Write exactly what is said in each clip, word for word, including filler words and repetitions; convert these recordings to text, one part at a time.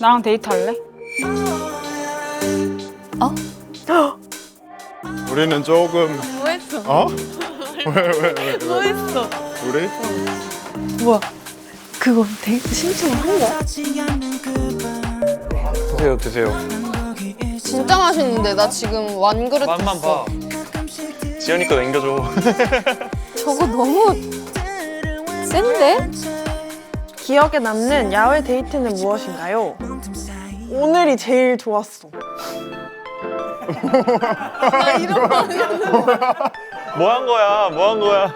나랑 데이트할래? 어? 우리는 조금 뭐 했어? 어? 왜 왜 왜? 뭐 했어? 우리? 뭐야? 그거 데이트 신청을 한 거야? 드세요 드세요. 진짜 맛있는데 나 지금 완그릇 맛만 봐. 지연이 거 남겨줘. 저거 너무 센데? 기억에 남는 야외 데이트는 무엇인가요? 오늘이 제일 좋았어. 나 이런 거 아니야. 뭐 한 거야? 뭐 한 거야?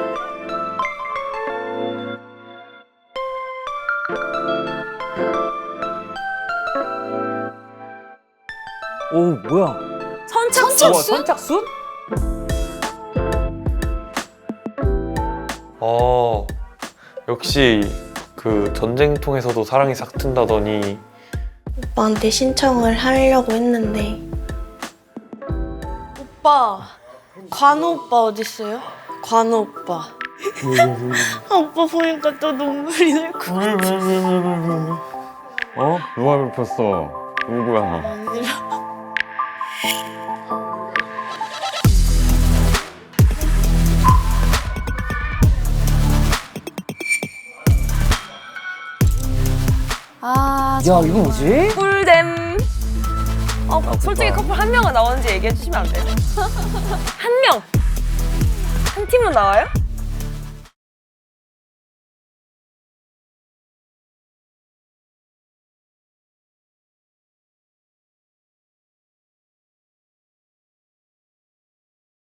오 뭐야? 선착순? 우와, 선착순? 어, 역시 그 전쟁통에서도 사랑이 싹 튼다더니 오빠한테 신청을 하려고 했는데 오빠 관우 오빠 어딨어요? 관우 오빠 아, 오빠 보니까 또 눈물이 날 것 같아. 어? 누가 눕혔어? 누구야? 아, 야 이거 뭐지? 꿀잼. 어, 솔직히 커플 한 명은 나오는지 얘기해 주시면 안 돼요? 한 명! 한 팀은 나와요?